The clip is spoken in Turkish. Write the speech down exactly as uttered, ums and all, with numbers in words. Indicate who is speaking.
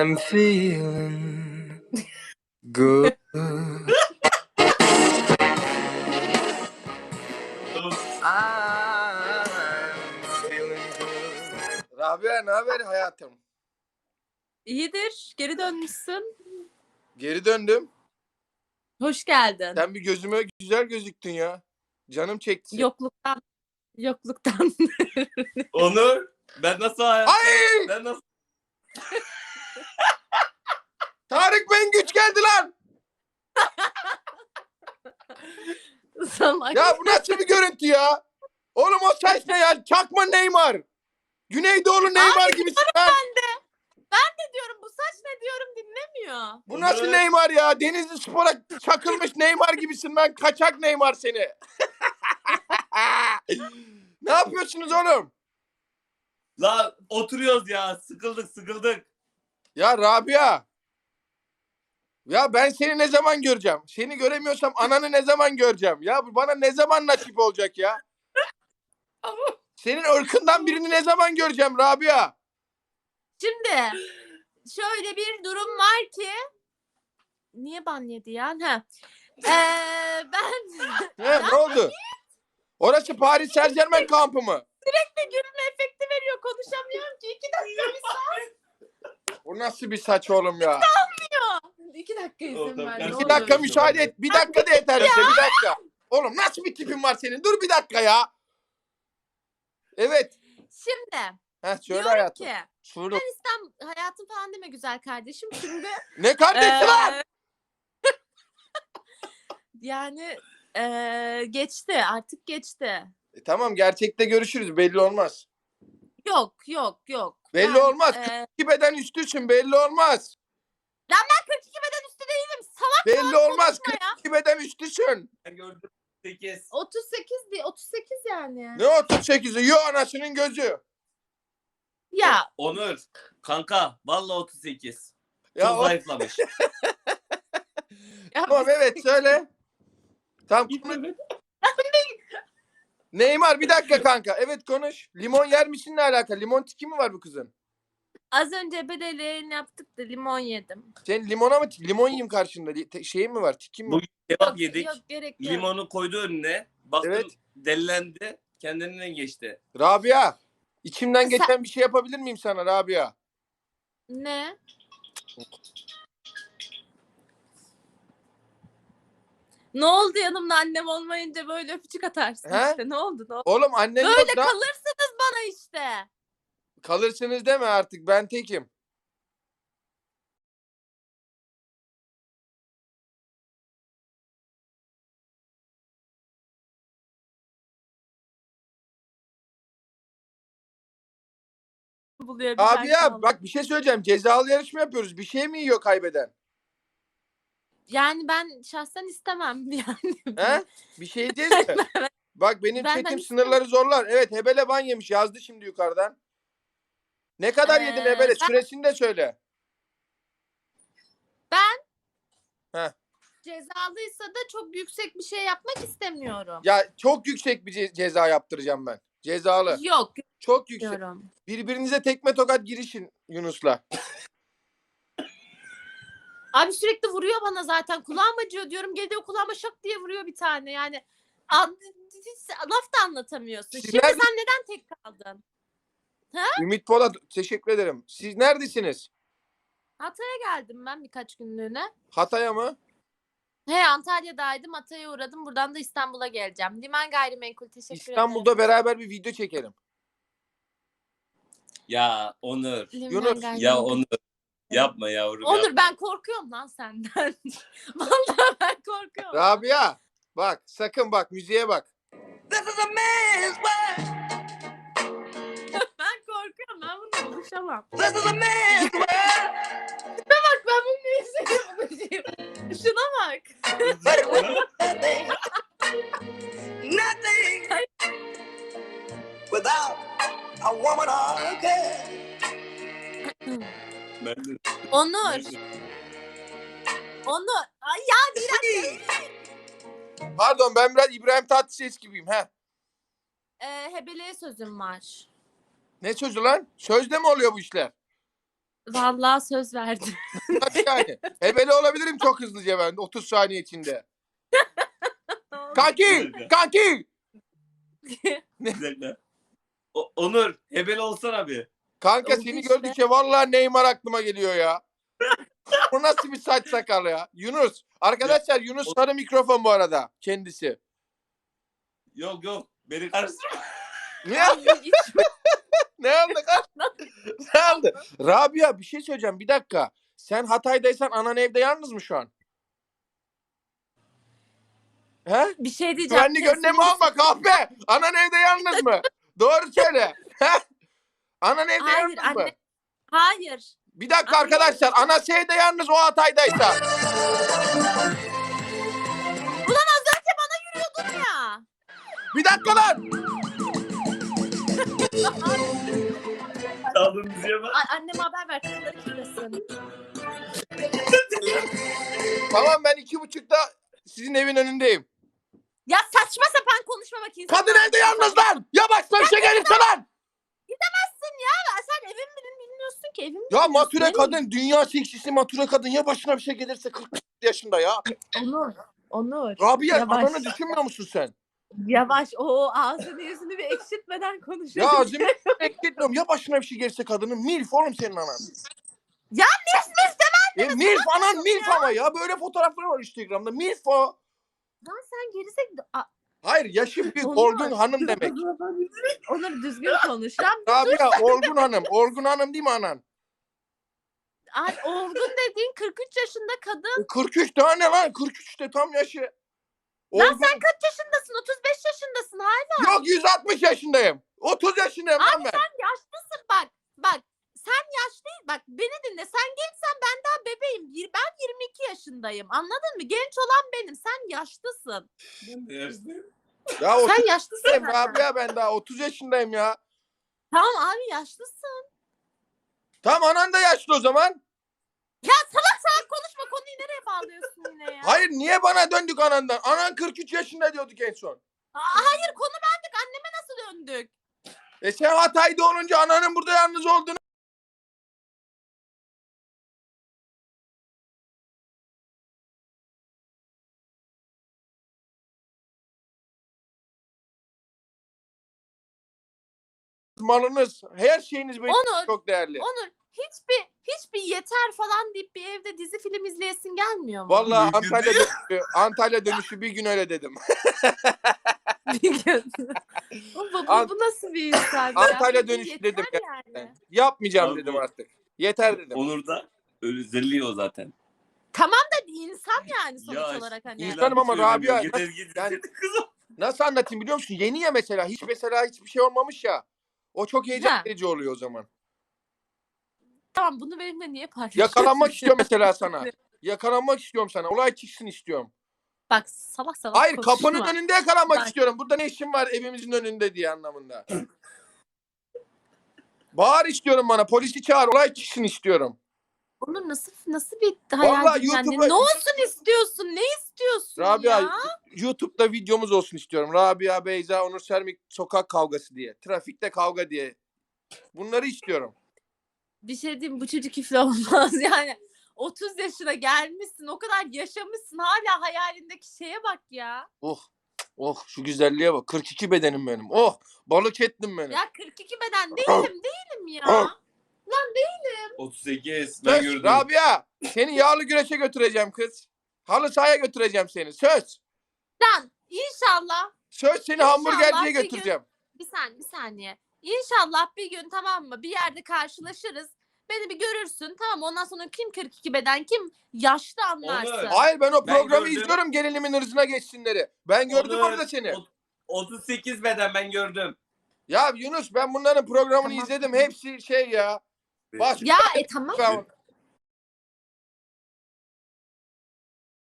Speaker 1: I'm feeling good. I'm feeling good. Rabia ne haber hayatım?
Speaker 2: İyidir. Geri dönmüşsün.
Speaker 1: Geri döndüm.
Speaker 2: Hoş geldin.
Speaker 1: Sen bir gözüme güzel gözüktün ya. Canım çekti.
Speaker 2: Yokluktan. Yokluktan.
Speaker 3: Onur, ben nasıl hayatta?
Speaker 1: Ay!
Speaker 3: Ben nasıl?
Speaker 1: Tarık Mengüç geldi lan.
Speaker 2: Salak.
Speaker 1: Ya bu nasıl bir görüntü ya? Oğlum o saç ne ya? Çakma Neymar. Güneydoğulu Neymar gibisin lan.
Speaker 2: Ben de. Ben de diyorum bu saç ne diyorum dinlemiyor.
Speaker 1: Bu nasıl Neymar ya? Denizli Spor'a çakılmış Neymar gibisin lan. Kaçak Neymar seni. Ne yapıyorsunuz oğlum?
Speaker 3: La oturuyoruz ya, sıkıldık sıkıldık.
Speaker 1: Ya Rabia. Ya ben seni ne zaman göreceğim? Seni göremiyorsam ananı ne zaman göreceğim? Ya bu bana ne zaman nasip olacak ya? Senin ırkından birini ne zaman göreceğim Rabia?
Speaker 2: Şimdi şöyle bir durum var ki niye ban yedi ya? Ha. Ee, ben
Speaker 1: He, ne oldu? Orası Paris Saint-Germain kampı mı?
Speaker 2: sürekli gülme efekti veriyor. Konuşamıyorum ki. İki dakika bir saat
Speaker 1: O nasıl bir saç oğlum ya?
Speaker 2: diyor. İki dakika izin
Speaker 3: Tamam,
Speaker 2: ver.
Speaker 3: tamam.
Speaker 2: ne
Speaker 1: İki
Speaker 2: olur.
Speaker 1: dakika müsaade et. Bir dakika da yeter bize. Bir dakika. Oğlum nasıl bir tipin var senin? Dur bir dakika ya. Evet.
Speaker 2: Şimdi
Speaker 1: Heh, söyle
Speaker 2: diyorum
Speaker 1: hayatım.
Speaker 2: ki
Speaker 1: Söyle.
Speaker 2: ben İstanbul hayatım falan deme güzel kardeşim. Şimdi
Speaker 1: Ne kardeşi lan?
Speaker 2: Ee, yani ee, geçti artık geçti.
Speaker 1: E, tamam gerçekte görüşürüz. Belli olmaz.
Speaker 2: Yok yok yok.
Speaker 1: Belli
Speaker 2: Yani,
Speaker 1: olmaz.
Speaker 2: ee,
Speaker 1: kırk iki beden üstüsün. Belli olmaz.
Speaker 2: kırk iki beden üstü değilim. Salak
Speaker 1: Belli olmaz.
Speaker 2: konuşma ya.
Speaker 1: kırk iki beden üstüsün.
Speaker 3: Ben gördüm sekiz.
Speaker 2: otuz sekiz değil otuz sekiz yani.
Speaker 1: Ne otuz sekizi? Yo anasının gözü.
Speaker 2: Ya
Speaker 3: Onur, kanka vallahi otuz sekiz.
Speaker 1: Ya
Speaker 3: Çok
Speaker 1: o...
Speaker 3: zayıflamış.
Speaker 2: ya
Speaker 1: Tamam evet söyle. Tamam. Neymar bir dakika kanka. Evet konuş. Limon yer misin ne alaka? Limon tiki mi var bu kızın?
Speaker 2: az önce bedeli yaptık da limon yedim.
Speaker 1: Sen limona mı? Limon yiyeyim karşında. Li- te- Şeyin mi var? Tikin mi?
Speaker 3: Bugün kebap
Speaker 2: Yok,
Speaker 3: yedik.
Speaker 2: yok gerek yok.
Speaker 3: Limonu koydu önüne. Baktım
Speaker 1: Evet.
Speaker 3: delilendi. Kendinden geçti.
Speaker 1: Rabia. İçimden
Speaker 2: Sen-
Speaker 1: geçen bir şey yapabilir miyim sana Rabia?
Speaker 2: Ne? Ne oldu yanımda annem olmayınca böyle öpücük atarsın
Speaker 1: He?
Speaker 2: işte. Ne oldu? Ne oldu?
Speaker 1: Oğlum annen
Speaker 2: Böyle
Speaker 1: yok da
Speaker 2: kalırsınız bana işte.
Speaker 1: kalırsınız deme artık. Ben tekim.
Speaker 2: Buluyor bir tane
Speaker 1: Rabia
Speaker 2: kaldı.
Speaker 1: bak bir şey söyleyeceğim. Cezalı yarışma yapıyoruz. Bir şey mi yiyor kaybeden?
Speaker 2: Yani ben şahsen istemem yani.
Speaker 1: He? Bir şey diyeceğiz mi? Bak benim
Speaker 2: Benden
Speaker 1: chatim
Speaker 2: istemem.
Speaker 1: sınırları zorlar. Evet Hebele ban yemiş. Yazdı şimdi yukarıdan. Ne kadar
Speaker 2: Ee,
Speaker 1: yedin Hebele?
Speaker 2: ben-
Speaker 1: Süresini de söyle.
Speaker 2: Cezalıysa da çok yüksek bir şey yapmak istemiyorum.
Speaker 1: Ya çok yüksek bir ce- ceza yaptıracağım ben. Cezalı.
Speaker 2: Yok
Speaker 1: Çok yüksek.
Speaker 2: diyorum.
Speaker 1: Birbirinize tekme tokat girişin Yunus'la.
Speaker 2: Abi sürekli vuruyor bana zaten. Kulağım acıyor diyorum. Geliyor kulağıma şak diye vuruyor bir tane. Yani an- hiç laf da anlatamıyorsun.
Speaker 1: Siz
Speaker 2: Şimdi
Speaker 1: nerede-
Speaker 2: sen neden tek kaldın?
Speaker 1: Ümit Polat teşekkür ederim. Siz neredesiniz?
Speaker 2: Hatay'a geldim ben birkaç günlüğüne.
Speaker 1: Hatay'a mı?
Speaker 2: He Antalya'daydım. Hatay'a uğradım. Buradan da İstanbul'a geleceğim. Liman Gayrimenkul teşekkür
Speaker 1: İstanbul'da
Speaker 2: ederim.
Speaker 1: beraber bir video çekelim.
Speaker 3: Ya Onur.
Speaker 2: Liman
Speaker 1: Yunus,
Speaker 2: Gayrimenkul.
Speaker 3: Ya Onur. Yapma yavrum.
Speaker 2: Onur
Speaker 3: yapma.
Speaker 2: ben korkuyorum lan senden. Vallahi ben korkuyorum.
Speaker 1: Rabia bak sakın bak müziğe bak.
Speaker 2: Ben korkuyorum. Ben bununla buluşamam. Bak ben bununla izleyeyim. Şuna bak.
Speaker 4: Nothing without a woman or a girl.
Speaker 3: Ben de-
Speaker 2: Onur. Onur. Ay ya biraz
Speaker 1: Pardon ben biraz İbrahim Tatlıses gibiyim. He.
Speaker 2: e, hebeleye sözüm var.
Speaker 1: Ne sözü lan? Sözde mi oluyor bu işler?
Speaker 2: Vallahi söz verdim.
Speaker 1: Nasıl yani? Hebele olabilirim çok hızlıca ben otuz saniye içinde. Kanki! Kanki!
Speaker 3: Bir dakika. O- Onur hebel olsana bir.
Speaker 1: Kanka
Speaker 2: Oldu
Speaker 1: seni
Speaker 2: işte.
Speaker 1: gördükçe vallahi Neymar aklıma geliyor ya. Bu nasıl bir saç sakal ya? Yunus. Arkadaşlar Yunus sarı mikrofon bu arada kendisi.
Speaker 3: Yok yok. Beni karıştırma.
Speaker 1: Ne,
Speaker 2: Ay, hiç-
Speaker 1: ne oldu? Ne oldu? Rabia bir şey söyleyeceğim bir dakika. Sen Hatay'daysan anan evde yalnız mı şu an? He?
Speaker 2: bir şey diyeceğim.
Speaker 1: Güvenlik önlemi alma kahpe. Anan evde yalnız mı? Doğru söyle. He? Anan evde
Speaker 2: Hayır,
Speaker 1: yalnız mı?
Speaker 2: anne. Hayır.
Speaker 1: Bir dakika
Speaker 2: Anne.
Speaker 1: arkadaşlar. Anası evde yalnız o Hatay'daysa.
Speaker 2: Dur ya.
Speaker 1: Bir dakika lan.
Speaker 3: Çaldığın müziğe bak.
Speaker 2: Ay, anneme haber ver. Kızları kilitlesin.
Speaker 1: Tamam ben iki buçukta sizin evin önündeyim.
Speaker 2: Ya saçma sapan konuşma bak insan.
Speaker 1: Kadın evde yalnız lan. Ya başka bir şey gelirse lan.
Speaker 2: Gidemezsin ya. Sen evin bilin bilmiyorsun ki. Evin
Speaker 1: Ya
Speaker 2: bilmiyorsun.
Speaker 1: mature
Speaker 2: Evin-
Speaker 1: kadın. Dünya seksisi mature kadın. Ya başına bir şey gelirse kırk yaşında ya.
Speaker 2: Onur. Onur.
Speaker 1: Rabia
Speaker 2: Yavaş.
Speaker 1: ananı düşünmüyor musun sen?
Speaker 2: Yavaş. O ağzını yüzünü bir ekşitmeden konuşuyor.
Speaker 1: Ya ağzımı ekletmiyorum. Ya başına bir şey gelirse kadının. Milf oğlum senin anan.
Speaker 2: Ya milf milf
Speaker 1: E, milf anan milf ama ya. Böyle fotoğrafları var Instagram'da. Milf o.
Speaker 2: Lan sen gerizek... A-
Speaker 1: Hayır yaşı büyük.
Speaker 2: Onur.
Speaker 1: Olgun hanım demek.
Speaker 2: Onur düzgün konuş. Lan
Speaker 1: Rabia Olgun hanım. Olgun hanım değil mi anan?
Speaker 2: ay, olgun dediğin kırk üç yaşında kadın.
Speaker 1: E, kırk üç tane lan. kırk üçte tam yaşı.
Speaker 2: Lan
Speaker 1: Olgun.
Speaker 2: sen kaç yaşındasın? otuz beş yaşındasın hala.
Speaker 1: Yok yüz altmış yaşındayım. otuz yaşındayım lan ben.
Speaker 2: Sen yaşlısın bak. Bak sen yaşlı bak beni dinle. Sen gençsen ben daha bebeğim. Bir- Ben yirmi iki yaşındayım. Anladın mı? Genç olan benim. Sen yaşlısın.
Speaker 3: Ben de yaşlıyım.
Speaker 1: Ya otuz
Speaker 2: Sen yaşlısın.
Speaker 1: yaşındayım
Speaker 2: zaten.
Speaker 1: Rabia ben daha otuz yaşındayım ya.
Speaker 2: Tamam abi yaşlısın.
Speaker 1: Tamam anan da yaşlı o zaman.
Speaker 2: Ya salak salak konuşma. Konuyu nereye bağlıyorsun yine ya?
Speaker 1: Hayır niye bana döndük anandan? Anan kırk üç yaşında diyorduk en son.
Speaker 2: Aa, hayır konu bendik. Anneme nasıl döndük?
Speaker 1: E sen Hatay'da olunca ananın burada yalnız olduğunu... Malınız, her şeyiniz benim
Speaker 2: Onur.
Speaker 1: çok değerli.
Speaker 2: Onur hiçbir hiçbir yeter falan deyip bir evde dizi film izleyesin gelmiyor mu?
Speaker 1: Vallahi
Speaker 3: Bir gün
Speaker 1: Antalya dönüşü, Antalya dönüşü bir gün öyle dedim.
Speaker 2: Bir gün. bu, bu,
Speaker 1: Ant-
Speaker 2: bu nasıl bir insan ya?
Speaker 1: Antalya
Speaker 2: Bir
Speaker 1: dönüşü
Speaker 2: yeter
Speaker 1: dedim
Speaker 2: yani.
Speaker 1: Yapmayacağım
Speaker 3: Abi
Speaker 1: dedim
Speaker 3: bu-
Speaker 1: artık. Yeter dedim.
Speaker 3: Onur da özelliği o zaten.
Speaker 2: Tamam da bir insan yani sonuç
Speaker 3: Ya,
Speaker 2: olarak hani.
Speaker 1: İnsan- İnsanım ama Rabia-
Speaker 3: Yeter git.
Speaker 1: Yani-
Speaker 3: Kızım.
Speaker 1: Nasıl anlatayım biliyor musun? Yeni ya mesela. Hiç mesela hiçbir şey olmamış ya. O çok heyecan
Speaker 2: Ha.
Speaker 1: verici oluyor o zaman.
Speaker 2: Tamam bunu benimle niye paylaşıyorsun?
Speaker 1: Yakalanmak istiyorum mesela sana. Yakalanmak istiyorum sana. Olay çıksın istiyorum.
Speaker 2: Bak salak salak
Speaker 1: Hayır
Speaker 2: konuşma.
Speaker 1: kapının önünde yakalanmak
Speaker 2: Bak.
Speaker 1: istiyorum. Burada ne işin var evimizin önünde diye anlamında. Bağır istiyorum bana. Polisi çağır. Olay çıksın istiyorum.
Speaker 2: Onur nasıl nasıl bir hayal
Speaker 1: Vallahi
Speaker 2: dünyası?
Speaker 1: YouTube'a-
Speaker 2: Ne olsun istiyorsun? Ne istiyorsun
Speaker 1: Rabia
Speaker 2: ya?
Speaker 1: YouTube'da videomuz olsun istiyorum. Rabia, Beyza, Onur Sermik sokak kavgası diye. Trafikte kavga diye. Bunları istiyorum.
Speaker 2: Bir şey diyeyim bu çocuk iflah olmaz yani. otuz yaşına gelmişsin o kadar yaşamışsın hala hayalindeki şeye bak ya.
Speaker 1: Oh. Oh şu güzelliğe bak. kırk iki bedenim benim. Oh balık ettim benim.
Speaker 2: Ya kırk iki beden değilim değilim ya.
Speaker 3: otuz sekiz. Ben
Speaker 1: Söz
Speaker 3: gördüm.
Speaker 1: Rabia seni yağlı güreşe götüreceğim kız. Halı sahaya götüreceğim seni. Söz.
Speaker 2: Lan inşallah
Speaker 1: Söz seni
Speaker 2: İnşallah
Speaker 1: hamburgerciye
Speaker 2: bir gün-
Speaker 1: götüreceğim.
Speaker 2: bir saniye bir saniye. İnşallah bir gün tamam mı bir yerde karşılaşırız. Beni bir görürsün tamam ondan sonra kim kırk iki beden kim yaşlı anlarsın.
Speaker 3: Onur.
Speaker 1: Hayır ben o
Speaker 3: Ben
Speaker 1: programı
Speaker 3: gördüm.
Speaker 1: izliyorum gelinimin hırzına geçsinleri. Ben gördüm
Speaker 3: Onur,
Speaker 1: orada seni.
Speaker 3: ot- otuz sekiz beden ben gördüm.
Speaker 1: Ya Yunus ben bunların programını
Speaker 2: Tamam.
Speaker 1: izledim. Hepsi şey ya. Baş...
Speaker 2: Ya e tamam.
Speaker 1: Tamam.